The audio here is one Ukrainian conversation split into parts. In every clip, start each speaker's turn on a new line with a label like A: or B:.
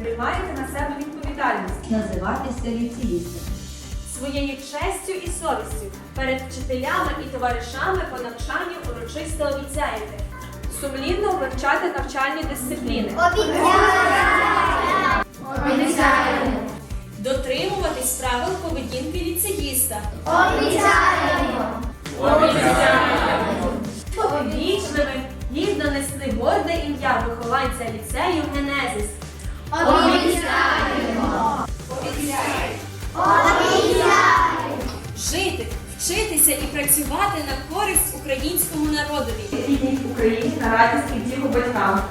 A: приймаєте на себе відповідальність
B: називатися ліцеїстом.
A: своєю честю і совістю перед вчителями і товаришами по навчанню урочисто обіцяєте сумлінно вивчати навчальні дисципліни,
C: Обіцяємо!
A: дотримуватись правил поведінки ліцеїста,
C: Обіцяємо!
A: вічливим, гідно нести горде ім'я вихованця ліцею Генезис.
C: Обіцяємо!
A: Жити, вчитися і працювати на користь українському народові.
D: Гідність Україні на радість і втіху батькам.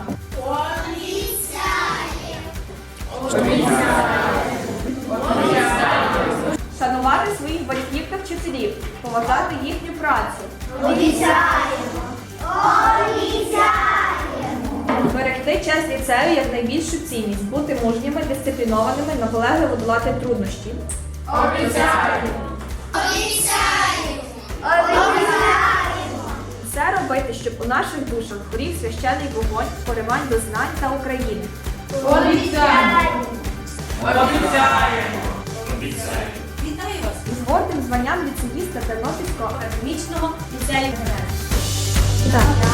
A: Шанувати своїх батьків та вчителів, поважати їхню працю.
C: Обіцяємо!
A: Берегти честь ліцею як найбільшу цінність, бути мужніми, дисциплінованими, наполегливо долати труднощі. Все робити, щоб у наших душах горів священний вогонь, поривань до знань та України. Вітаю вас з гордим званням ліцеїста Тернопільського академічного ліцею. Так.